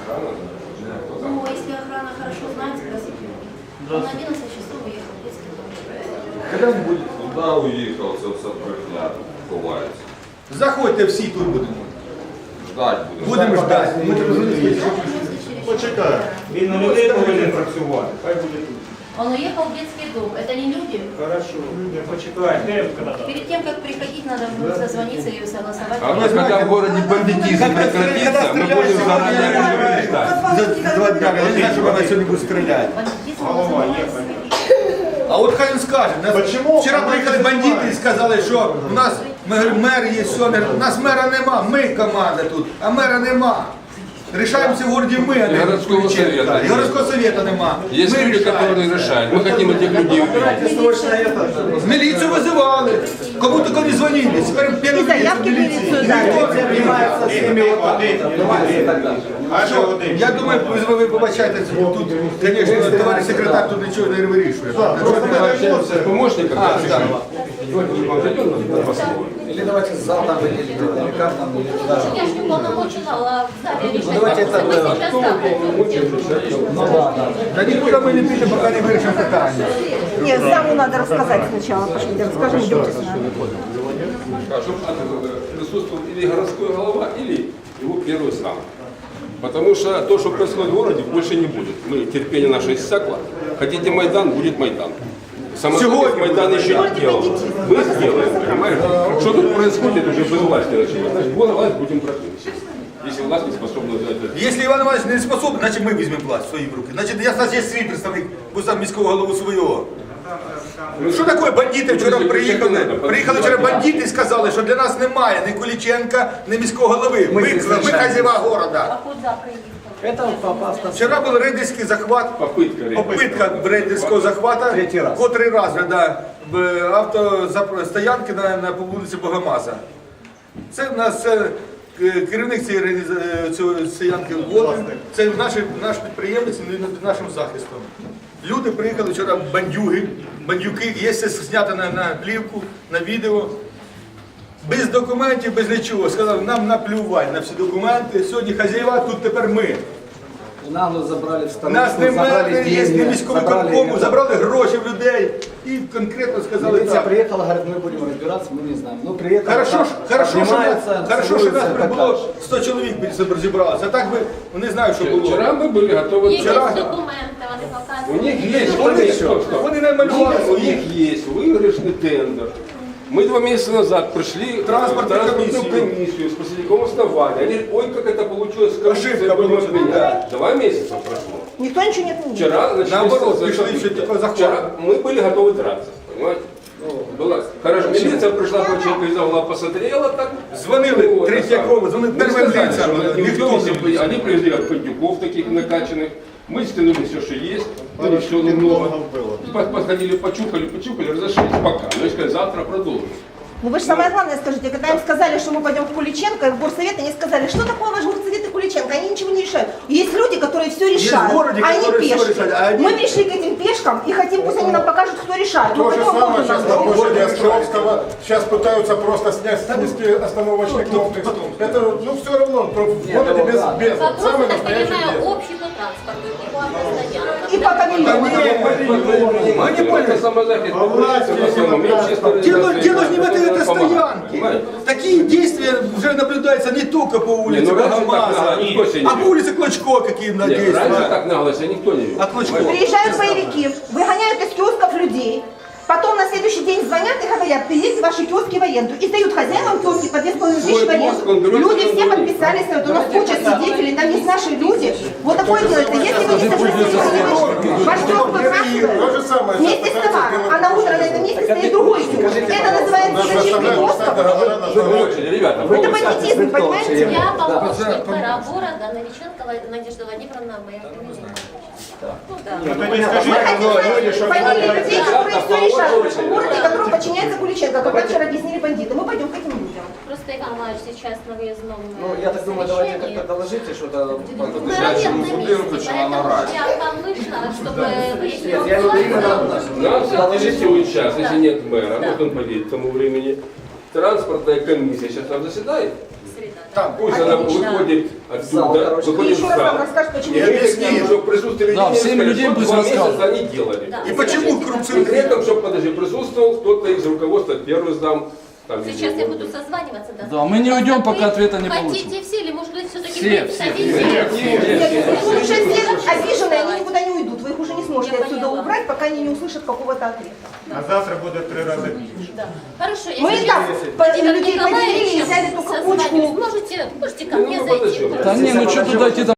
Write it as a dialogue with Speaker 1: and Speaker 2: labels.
Speaker 1: Ну, если охрана хорошо знает, спросите. Он на 11 часов уехал в детский дом.
Speaker 2: Когда-нибудь куди уїхав, це все брехня ховається.
Speaker 3: Заходьте всі, тут будемо.
Speaker 2: Ждать будемо.
Speaker 3: Будемо ждати. Ми тут
Speaker 4: Почекай. Він на людей повинен працювати. Хай буде тут.
Speaker 1: Он уехал в детский дом. Это не люди?
Speaker 4: Хорошо. Почекай.
Speaker 1: Перед тем, как приходить, надо созвониться и согласовать.
Speaker 2: А у нас, когда в городе бандитизм прекратится, мы будем заранее предупреждать.
Speaker 3: за 2 дня, я не знаю, що вона сьогодні буде стріляти.
Speaker 1: Бандитизм
Speaker 4: Голова є.
Speaker 3: А от хай він скаже.
Speaker 4: Почему?
Speaker 3: Вчора приїхали бандити і сказали, що у нас мер є, все, у нас мера нема, ми команда тут, а мера нема. Рішаємося в городі ми, а не
Speaker 2: Городского
Speaker 3: Куличенко.
Speaker 2: совета.
Speaker 3: І городського совета нема.
Speaker 2: Есть
Speaker 3: Ми
Speaker 2: люди,
Speaker 3: рішаємо.
Speaker 2: которые решают. Мы хотим этих людей увидеть.
Speaker 3: Міліцію визивали. Кому тільки не дзвонили. Тепер первый
Speaker 5: заявки в міліцію
Speaker 3: Я думаю, ви побачаєте, тут, звісно, товариш секретар тут нічого не вирішує.
Speaker 2: Мы общаемся с помощником.
Speaker 6: Или давайте зал там выделить, как там, или туда.
Speaker 1: Я же не полномочия, в зале решать.
Speaker 6: давайте это,
Speaker 1: Мы сейчас там.
Speaker 6: Ну да, да.
Speaker 3: Та нікуди ми не підемо, поки не вирішимо питання.
Speaker 5: Нет, саму надо рассказать сначала. Пошлите, расскажем, идемте с нами.
Speaker 2: Чтобы присутствовал или городской голова, или его первый сам. Потому что то, что происходит в городе, больше не будет. Мы, терпение наше иссякло. Хотите Майдан, будет Майдан. Самостоятельный Майдан еще не делал. Мы сделаем, понимаете? Что тут происходит, уже без власти началось. Значит, власть будем против. Если власть не способна взять это.
Speaker 3: Якщо Іван Іванович не способний, значить ми візьмемо власть в свої руки. Значить, я є свій представник, бо сам міського голову свого. Що таке бандити вчора приїхали? Приїхали вчора бандити і сказали, що для нас немає ні Куличенка, ні міського голови. Ми хазяєва города.
Speaker 1: А куда приехал?
Speaker 6: Это попав на
Speaker 3: Вчора був рейдерський захват, попитка рейдерського захвату, котрий раз в автостоянки на вулиці Богомаза. Це в нас керівник цієї стоянки Волин, це наш підприємець над нашим захистом. Люди приїхали вчора бандюки, є все знято на плівку, на відео. Без документів, без нічого. Сказали, нам наплювати на всі документи. Сьогодні хазяєва, тут тепер ми.
Speaker 6: нагло забрали в сторону,
Speaker 3: Нас
Speaker 6: забрали
Speaker 3: немає, є
Speaker 6: деньги,
Speaker 3: міському виконкому, забрали гроші в людей і конкретно сказали
Speaker 6: Милиция
Speaker 3: так.
Speaker 6: приехала, говорит, мы будем разбираться, мы не знаем. Ну, приехала,
Speaker 3: Хорошо, що нас
Speaker 6: так
Speaker 3: прибуло 100 чоловік розібралося. А так би, не знаю, що було.
Speaker 2: Вчера мы были готовы.
Speaker 1: Есть
Speaker 3: Вчера-
Speaker 1: документы, они
Speaker 2: У
Speaker 1: показывают.
Speaker 2: них есть,
Speaker 3: Вони намалювали
Speaker 2: у
Speaker 3: свої.
Speaker 2: них есть выигрышный тендер. Мы 2 месяца назад пришли
Speaker 3: Транспортную
Speaker 2: комиссию с последним основания. Они говорят, ой, как это получилось,
Speaker 3: Ошибка
Speaker 2: будем
Speaker 3: была.
Speaker 2: отменять. 2 месяца прошло.
Speaker 5: Никто ничего не отменил.
Speaker 2: Вчера начались
Speaker 3: Наоборот,
Speaker 2: события.
Speaker 3: пришли еще типа захват.
Speaker 2: Вчера мы были готовы драться, понимаете? Была. Хорошо, милиция пришла, Куличенко из угла посмотрела так.
Speaker 3: Дзвонили
Speaker 2: Вот,
Speaker 3: Третьякову, дзвонили
Speaker 2: Мы
Speaker 3: первим
Speaker 2: сказали,
Speaker 3: лицям,
Speaker 2: что
Speaker 3: ніхто не
Speaker 2: они привезли бандюков таких накачанных. Мы стянули все, что есть, ну, все немного. Подходили, почухали, разошлись пока. Ну, и сказали, завтра продолжим.
Speaker 5: Ну вы же самое главное скажите, когда им сказали, что мы пойдем в Куличенко, и в горсовет, они сказали, что такое ваш горсовет и Куличенко, они ничего не решают. Есть люди, которые все решают,
Speaker 3: городе,
Speaker 5: а они
Speaker 3: которые всё
Speaker 5: пешки.
Speaker 3: решают, а они-
Speaker 5: Мы пришли к этим пешкам и хотим, пусть они нам покажут, кто решает. Мы
Speaker 7: То же
Speaker 5: пойдем,
Speaker 7: самое
Speaker 5: кто
Speaker 7: сейчас
Speaker 5: нам
Speaker 7: на
Speaker 5: говорит.
Speaker 7: площади Островского. Сейчас пытаются просто снести остановочный комплекс. Это, ну, все равно, в городе без, без.
Speaker 1: Вопрос,
Speaker 7: Самый
Speaker 1: я так
Speaker 7: настоящий
Speaker 1: понимаю,
Speaker 7: без.
Speaker 1: общий по транспорту и по автостоянкам.
Speaker 5: И по павильону.
Speaker 2: Они поняли. Самозахист популярится в основном. И общественная
Speaker 3: Дело же не в этой
Speaker 2: помогает,
Speaker 3: стоянке.
Speaker 2: понимаете?
Speaker 3: Такие действия уже наблюдаются не только по улице
Speaker 2: Не, ну раньше так
Speaker 3: Богомаза,
Speaker 2: нагло никто себе не
Speaker 3: а по
Speaker 2: вел.
Speaker 3: улице Клочко какие
Speaker 2: Нет,
Speaker 3: действия.
Speaker 2: раньше так нагло себя никто не вел.
Speaker 3: А Клочко?
Speaker 5: Приезжают боевики, выгоняют из киосков людей. Потом на следующий день звонят и говорят, привезите ваши киоски в аренду. И дают хозяевам киоски по 2500 в аренду.
Speaker 2: киоск он берет,
Speaker 5: Люди
Speaker 2: он
Speaker 5: все
Speaker 2: говорит.
Speaker 5: подписались на это. У нас куча свидетелей, там есть наши люди. Вот такое делается. Если вы не согласитесь, ваш киоск
Speaker 7: То же
Speaker 5: выбрасывают
Speaker 7: самое.
Speaker 5: вместе с товаром, а на утро на этом месте стоит другой киоск. Это называется зачистка киосков.
Speaker 2: Слушайте, ребята,
Speaker 5: Это бандитизм, понимаете?
Speaker 1: Я помощник мэра города Новиченко Надежда Владимировна, моя фамилия. Ну да.
Speaker 5: Мы хотим знать фамилии людей, которые все решают в городе, которому подчиняется Куличенко, как нам вчера объяснили бандиты. Мы пойдем к этим людям.
Speaker 1: Просто Иван Иванович сейчас на выездном
Speaker 6: Ну, я так думаю, давайте как-то доложите что-то.
Speaker 1: Мы работаем на месте, поэтому я к вам вышла, чтобы выяснить
Speaker 6: Нет, я не именно
Speaker 2: Нас интересует сейчас, если нет мэра, может он поедет к тому времени. Транспортная комиссия сейчас там заседает.
Speaker 1: Среда.
Speaker 3: Там.
Speaker 2: Пусть она выходит оттуда,
Speaker 5: И
Speaker 2: выходит в
Speaker 5: еще раз вам
Speaker 2: зал.
Speaker 5: расскажут, почему.
Speaker 3: И объяснит.
Speaker 2: Чтобы в присутствии
Speaker 8: Да,
Speaker 2: людей
Speaker 8: всем
Speaker 2: сказать,
Speaker 8: людям
Speaker 2: что
Speaker 8: пусть
Speaker 2: 2 месяца
Speaker 8: расскажут.
Speaker 2: они делали.
Speaker 1: Да.
Speaker 3: И почему коррупционные?
Speaker 2: При этом, чтобы, подожди, присутствовал кто-то из руководства, первый зам. Там,
Speaker 1: Сейчас
Speaker 2: или-
Speaker 1: я буду созваниваться.
Speaker 8: Да, мы не уйдем, пока ответа не получим.
Speaker 1: Хотите все или, может быть, все-таки
Speaker 8: Все,
Speaker 1: представители?
Speaker 5: Нет, вы уже все обиженные, они никуда не уйдут. Вы их уже не сможете
Speaker 1: Я
Speaker 5: отсюда
Speaker 1: поняла.
Speaker 5: убрать, пока они не услышат какого-то ответа.
Speaker 4: А завтра буде 3 рази більше.
Speaker 1: Да. Хорошо,
Speaker 5: Мы
Speaker 1: если
Speaker 5: так
Speaker 1: Владимир
Speaker 5: людей поделили и
Speaker 1: Николаевич
Speaker 5: взяли только
Speaker 1: созваниваюсь,
Speaker 5: кучку.
Speaker 1: можете ко
Speaker 2: Ну,
Speaker 1: мне
Speaker 2: мы
Speaker 1: зайти.
Speaker 2: подождем.
Speaker 8: Да не, ну что туда идти